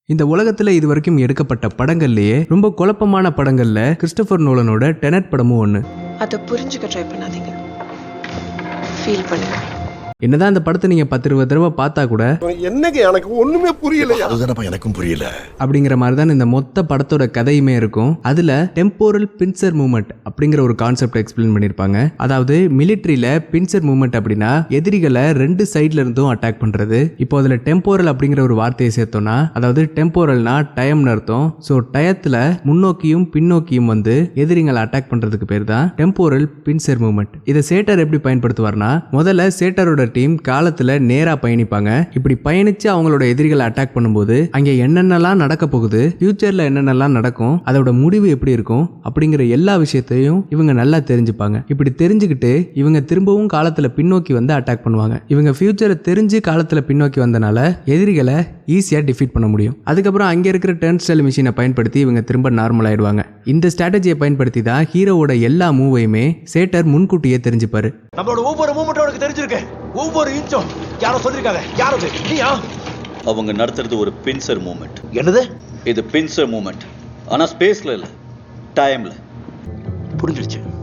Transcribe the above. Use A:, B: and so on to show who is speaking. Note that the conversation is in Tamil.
A: இந்த உலகத்துல இது வரைக்கும் எடுக்கப்பட்ட படங்கள்லயே ரொம்ப குழப்பமான படங்கள்ல கிறிஸ்டோபர் நோலனோட டெனட் படமும் ஒண்ணு.
B: அதை புரிஞ்சுக்க ட்ரை பண்ணாதீங்க, ஃபீல் பண்ணுங்க.
A: என்னதான் அந்த படத்தை நீங்க 10-20 தடவை பார்த்தா கூட
C: என்னங்க எனக்கு ஒண்ணுமே புரியல.
D: அதுதானப்பா எனக்கும் புரியல.
A: அப்படிங்கிற மாதிரி தான் இந்த மொத்த படத்தோட கதையுமே இருக்கும். அதுல டெம்போரல் பின்சர் மூவ்மெண்ட் அப்படிங்கிற ஒரு கான்செப்ட் எக்ஸ்பிளைன் பண்ணிருப்பாங்க. அதாவது மிலிட்டரியில பின்சர் மூவ்மெண்ட் அப்படின்னா எதிரிகளை 2 சைட்ல இருந்தும் அட்டாக் பண்றது. இப்போ அதுல டெம்போரல் அப்படிங்கிற ஒரு வார்த்தையை சேர்த்தோம்னா, அதாவது டெம்போரல்னா டைம்னு அர்த்தம். ஸோ டயத்துல முன்னோக்கியும் பின்னோக்கியும் வந்து எதிரிகளை அட்டாக் பண்றதுக்கு பேர் தான் டெம்போரல் பின்சர் மூவ்மெண்ட். இதை சேட்டர் எப்படி பயன்படுத்துவார்னா, முதல்ல சேட்டரோட டீம் காலத்துல நேரா பயணிப்பாங்க. இப்படி பயணிச்சு அவங்களோட எதிரிகளை அட்டாக் பண்ணும்போது அங்க என்னென்னலாம் நடக்க போகுது, ஃபியூச்சர்ல என்னென்னலாம் நடக்கும், அதோட முடிவு எப்படி இருக்கும் அப்படிங்கிற எல்லா விஷயத்தையும் இவங்க நல்லா தெரிஞ்சுப்பாங்க. இப்படி தெரிஞ்சுக்கிட்டு இவங்க திரும்பவும் காலத்துல பின்னோக்கி வந்து அட்டாக் பண்ணுவாங்க. இவங்க ஃபியூச்சரை தெரிஞ்சு காலத்துல பின்னோக்கி வந்தனால எதிரிகளை ஈஸியா டிஃபீட் பண்ண முடியும். அதுக்கப்புறம் அங்க இருக்கிற டர்ன் ஸ்டைல் மிஷினை பயன்படுத்தி இவங்க திரும்ப நார்மல் ஆயிடுவாங்க. இந்த ஸ்ட்ராட்டஜியை பயன்படுத்தி தான் ஹீரோவோட எல்லா மூவையுமே சேட்டர் முன்கூட்டியே தெரிஞ்சுப்பாரு.
E: நம்மளோட ஒவ்வொரு மூமெண்ட்டும் உனக்கு தெரிஞ்சிருக்கு, ஒவ்வொரு இன்ச்சும் யாரோ சொல்லிருக்காங்க. யாரோ நீயா?
F: அவங்க நடத்துறது ஒரு பின்சர் மூமெண்ட்.
E: என்னது
F: இது பின்சர் மூமெண்ட், ஆனா ஸ்பேஸ்ல இல்ல, டைம்ல.
E: புரிஞ்சிருச்சு.